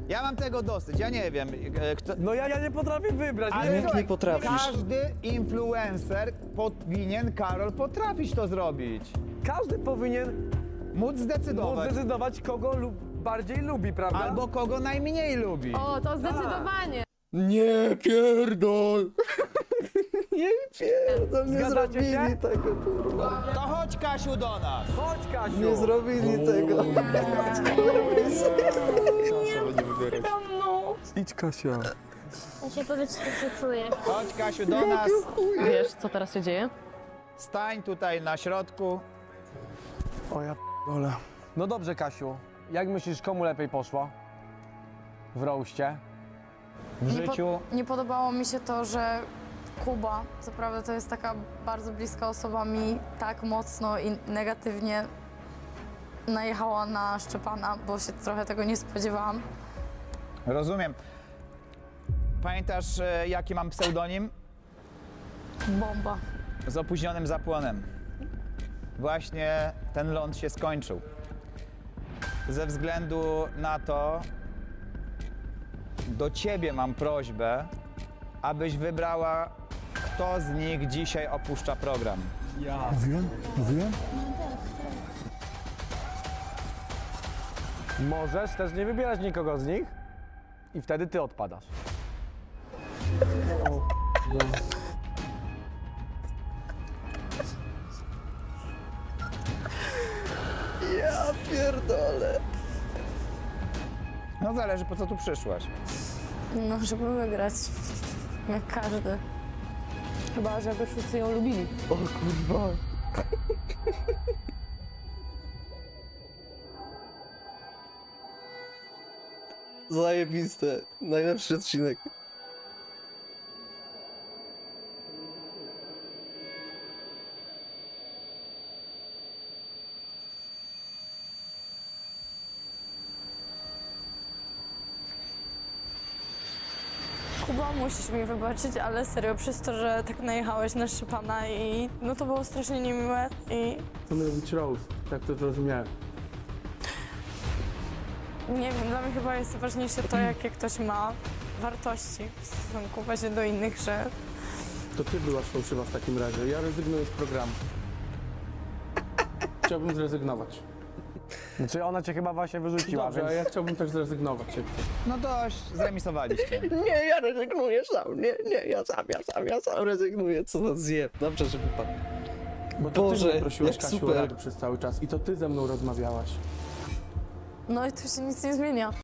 Ja mam tego dosyć, ja nie wiem, kto... No ja nie potrafię wybrać. Ale nie, słuchaj, nie potrafisz. Każdy influencer powinien, Karol, potrafić to zrobić. każdy powinien Móc zdecydować. zdecydować, kogo bardziej lubi, prawda? Albo kogo najmniej lubi. O, to zdecydowanie. Nie pierdol! Nie pierdol, nie Zgadzacie się? zrobili tego, kurwa. To chodź, Kasiu, do nas. Chodź, Kasiu! Nie zrobili tego. Idź, Kasia. Ja się powiedz, co ty czujesz. Chodź, Kasiu, do nas. Wiesz, co teraz się dzieje? Stań tutaj na środku. O ja p***ole. No dobrze, Kasiu. Jak myślisz, komu lepiej poszło? W roście? W życiu? Nie podobało mi się to, że Kuba, co prawda to jest taka bardzo bliska osoba mi, tak mocno i negatywnie najechała na Szczepana, bo się trochę tego nie spodziewałam. Rozumiem. Pamiętasz, jaki mam pseudonim? Bomba. Z opóźnionym zapłonem. Właśnie ten ląd się skończył. Ze względu na to do ciebie mam prośbę, abyś wybrała, kto z nich dzisiaj opuszcza program. Mówiłem? Możesz też nie wybierać nikogo z nich i wtedy ty odpadasz. Ja pierdolę. No zależy, po co tu przyszłaś. No, żeby wygrać. Jak każdy. Chyba, że by wszyscy ją lubili. O kurwa. Zajebiste. Najlepszy odcinek. Kuba, musisz mi wybaczyć, ale serio, przez to, że tak najechałeś na Szczepana i no to było strasznie niemiłe i To miał być roast, tak to zrozumiałem. nie wiem, dla mnie chyba jest ważniejsze to, jakie ktoś ma wartości w stosunku właśnie do innych, że To ty byłaś fałszywa w takim razie. Ja rezygnuję z programu. Chciałbym zrezygnować. Znaczy ona cię chyba właśnie wyrzuciła, Dobrze, więc... a ja chciałbym też zrezygnować. No dość, zremisowaliście. Nie, ja rezygnuję sam. Nie, ja sam rezygnuję. Co za zjeb. Dobrze, że wypadł. Bo to Boże, ty mnie prosiłaś, jak Kasiu, super. o radę przez cały czas i to ty ze mną rozmawiałaś. no i tu się nic nie zmienia.